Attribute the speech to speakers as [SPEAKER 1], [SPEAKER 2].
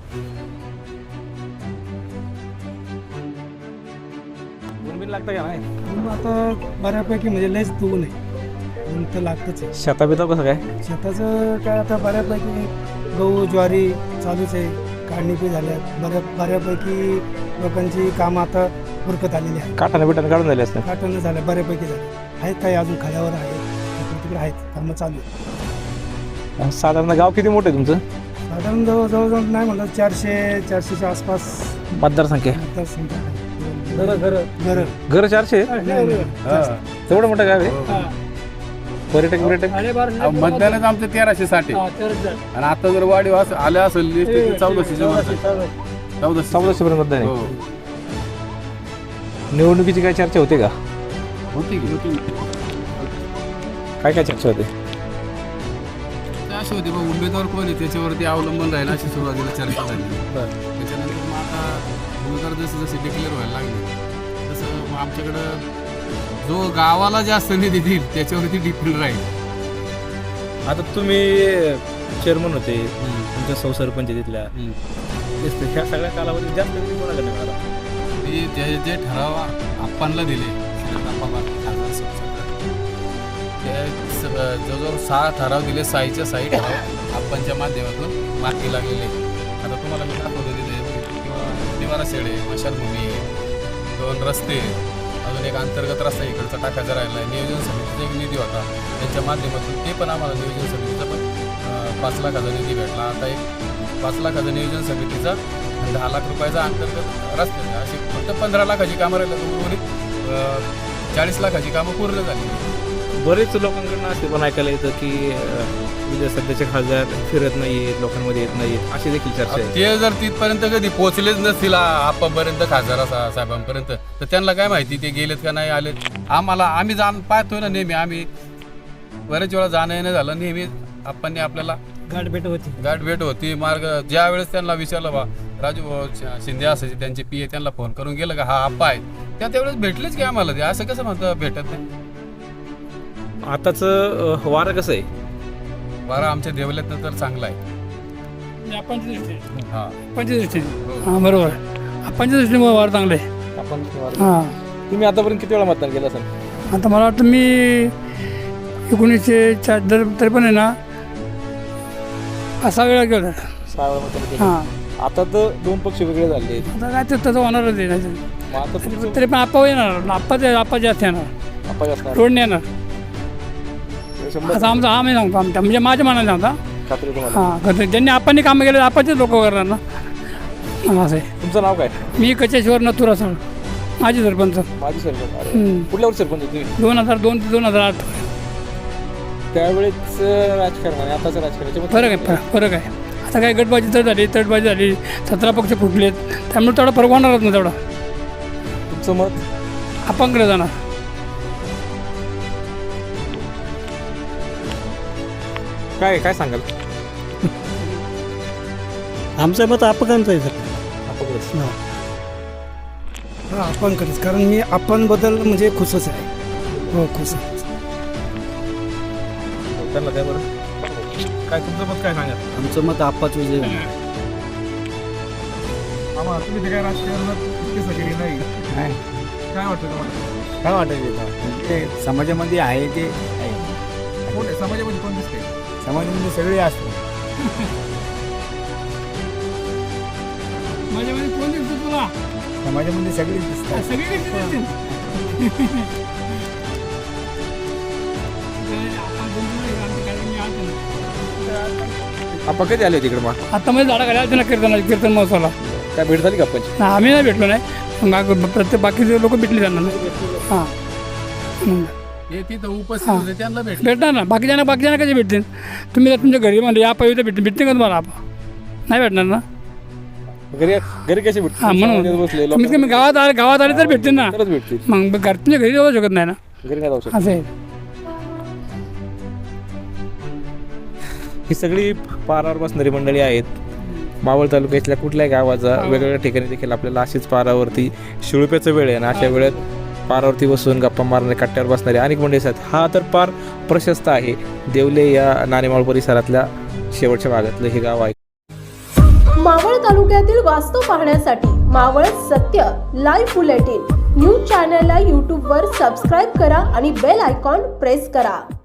[SPEAKER 1] ऊन लागतं का नाही?
[SPEAKER 2] आता बऱ्यापैकी म्हणजे लयच ऊन आहे, ऊन तर लागतंच आहे.
[SPEAKER 1] शेताबिता कसं काय?
[SPEAKER 2] शेताचं काय आता बऱ्यापैकी गहू ज्वारी चालूच आहे, काढणी पण झाल्या, बऱ्यापैकी लोकांची कामं आता उरकत आलेली आहेत.
[SPEAKER 1] काठाने बिटाने काढून झाले असतं.
[SPEAKER 2] काटणं झालं बऱ्यापैकी झालं, आहेत काही अजून खाल्यावर आहेत, तिकडे आहेत कामं चालू आहे.
[SPEAKER 1] साधारण गाव किती मोठं आहे तुमचं?
[SPEAKER 2] साधारण जवळजवळ नाही म्हणलं 400च्या आसपास
[SPEAKER 1] मतदारसंख्या
[SPEAKER 2] मतदारसंख्या आहे.
[SPEAKER 1] घर 400? तेवढं मोठं गाव आहे. पर्यटक
[SPEAKER 3] मतदानच आमचं 1360 आणि आता जर वाढीव आल्या असेल 1400
[SPEAKER 1] पर्यंत मतदान
[SPEAKER 3] हो.
[SPEAKER 1] आहे. निवडणुकीची काय चर्चा होते का?
[SPEAKER 3] होती
[SPEAKER 1] काय काय चर्चा होते?
[SPEAKER 3] अशी होती बघ, उमेदवार कोण आहे त्याच्यावरती अवलंबून राहील अशी सुरुवातीला चर्चा झाली. त्याच्यानंतर मग आता उमेदवार जसे जसे डिक्लेअर व्हायला लागले तसं मग आमच्याकडं जो गावाला जास्त निधी देईल त्याच्यावरती डिपेंड राहील.
[SPEAKER 1] आता तुम्ही चेअरमन होते, तुमच्या सरपंच तिथल्या, ह्या सगळ्या कालावधीत जास्त निधी कोणाला मिळाला?
[SPEAKER 3] ते जे ठराव आपणला दिले जवळजवळ 6 ठराव दिले, 6च्या 6 ठराव आपणच्या माध्यमातून मार्गी लागलेले. आता तुम्हाला मी दाखवतो तिथे किंवा निवारा शेड आहे, मशानभूमी आहे, 2 रस्ते, अजून एक अंतर्गत रस्ता इकडचा टाकायचा राहिला आहे. नियोजन समितीचा एक निधी होता, त्यांच्या माध्यमातून ते पण आम्हाला नियोजन समितीचा पण 5 लाखाचा निधी भेटला. आता एक 5 लाखाचा नियोजन समितीचा 10 लाख रुपयाचा अंतर्गत रस्ते, अशी फक्त 15 लाखाची कामं राहिली, उर्वरित 40 लाखाची कामं पूर्ण झाली.
[SPEAKER 1] बरेच लोकांकडनं असे पण ऐकायला येतं की सध्याचे खासदार फिरत नाहीयेत, लोकांमध्ये येत नाहीत, अशी देखील चर्चा आहे.
[SPEAKER 3] ते जर तिथपर्यंत कधी पोहोचलेच नसतील आपापर्यंत, खासदार साहेबांपर्यंत, तर त्यांना काय माहिती ते गेलेत का नाही आलेत. आम्ही पाहतोय ना नेहमी, आम्ही बरेच वेळा जाणं येणं झालं, नेहमी आपण आपल्याला गाठभेट होती. मार्ग ज्या वेळेस त्यांना विचारलं बा राजू शिंदे असायचे त्यांचे पीए, त्यांना फोन करून गेलं का हा आप्पा आहे, त्यावेळेस भेटलेच की आम्हाला. ते असं कसं म्हणतं भेटत नाही?
[SPEAKER 1] आताच वारं कसं आहे?
[SPEAKER 3] वारा आमच्या देवल्यातनं तर चांगला आहे. हा
[SPEAKER 2] हां बरोबर, आपणच्या दृष्टीने वार चांगलं आहे.
[SPEAKER 1] आपण
[SPEAKER 2] हां
[SPEAKER 1] तुम्ही आतापर्यंत किती वेळा मतदान केलं असेल?
[SPEAKER 2] आता मला वाटतं मी 1904 तरी पण आहे ना 6 वेळा गेलो.
[SPEAKER 1] 6 वेळा मतदान केलं.
[SPEAKER 2] हां
[SPEAKER 1] आता तर 2 पक्ष वेगळे झाले आहेत.
[SPEAKER 2] आता काय ते तसं होणारच आहे.
[SPEAKER 1] मग आता तुमचं
[SPEAKER 2] तरी पण आप्पा येणार, आप्पा जास्त येणार,
[SPEAKER 1] आपण असणार
[SPEAKER 2] रोडने येणार.
[SPEAKER 1] 100%
[SPEAKER 2] असं आमचा आम्ही सांगतो, आमच्या म्हणजे माझ्या मनाने सांगता.
[SPEAKER 1] खात्री तुम्हाला.
[SPEAKER 2] हां करतो, ज्यांनी आपण कामं केले आपणचे लोक करणार ना. असं आहे.
[SPEAKER 1] तुमचं नाव काय?
[SPEAKER 2] मी कचेश्वर नथुरा सर, माझी सरपंच.
[SPEAKER 1] माझी सरपंच. कुठल्यावर सरपंच होते?
[SPEAKER 2] 2002 ते 2008.
[SPEAKER 1] त्यावेळेस राजकारण आणि आताचं राजकारण
[SPEAKER 2] फरक आहे. आता काय गटबाजी तटबाजी झाली, 17 पक्ष फुटलेत, त्यामुळे तेवढा फरक होणारच ना. तेवढा
[SPEAKER 1] तुमचं मत
[SPEAKER 2] आपणकडे जाणार.
[SPEAKER 1] काय सांगाल?
[SPEAKER 2] आमचं मत आपणचं आहे सर.
[SPEAKER 1] अपघात.
[SPEAKER 2] हां आपणकडेच, कारण मी आपणबद्दल म्हणजे खुशच आहे. हो खुश आहे.
[SPEAKER 1] त्यांना काय बरं काय तुमचं मत काय सांगा?
[SPEAKER 2] आमचं मत आप्पाच विजय.
[SPEAKER 1] आम्हाला तुम्ही ते काय राजकारणात इतकी सगळी नाही, काय वाटतं तुम्हाला?
[SPEAKER 4] काय वाटायचं ते समाजामध्ये आहे ते आहे.
[SPEAKER 1] कोण आहे समाजामध्ये? कोण दिसते?
[SPEAKER 4] समाजामध्ये सगळे असतात.
[SPEAKER 2] माझ्यामध्ये कोण दिसतो तुला?
[SPEAKER 4] समाजामध्ये सगळेच दिसतात.
[SPEAKER 2] सगळीकडे
[SPEAKER 1] आपण कधी आले तिकडे? मग
[SPEAKER 2] आता मध्ये झाडा खाली ना कीर्तन महोत्सवाला.
[SPEAKER 1] काय भेट झाली का आपण?
[SPEAKER 2] नाही आम्ही नाही भेटलो नाही, मग प्रत्येक बाकीचे लोक भेटले त्यांना ना. हां
[SPEAKER 3] हे तिथं उपस्थित होते त्यांना
[SPEAKER 2] भेटणार ना. बाकीच्यांना कसे भेटतील? तुम्ही जर तुमच्या घरी म्हणजे या पाहिजे भेटतील का तुम्हाला? आपण नाही भेटणार ना.
[SPEAKER 1] घरी कशी भेटते?
[SPEAKER 2] हां म्हणून
[SPEAKER 1] बसले
[SPEAKER 2] कमीत कमी गावात आले तर भेटतील ना.
[SPEAKER 1] तरच भेटतील.
[SPEAKER 2] मग तुमच्या घरी जाऊ शकत नाही ना.
[SPEAKER 1] घरी नाही जाऊ शकत.
[SPEAKER 2] असं आहे.
[SPEAKER 1] ही सगळी पारावर बसणारी मंडळी आहेत. मावळ तालुक्यातल्या कुठल्याही गावाचा वेगवेगळ्या ठिकाणी देखील आपल्याला अशीच पारावरती शिळुप्याचा वेळ आहे आणि अशा वेळेत पारावरती बसून गप्पा मारणारे, कट्ट्यावर बसणारे अनेक मंडळी आहेत. हा तर फार प्रशस्त आहे. देवले या नाणेमाळ परिसरातल्या शेवटच्या भागातलं हे गाव आहे.
[SPEAKER 5] मावळ तालुक्यातील वास्तव पाहण्यासाठी मावळ सत्य लाईव्ह बुलेटिन न्यूज चॅनलला यूट्यूबवर सबस्क्राईब करा आणि बेल आयकॉन प्रेस करा.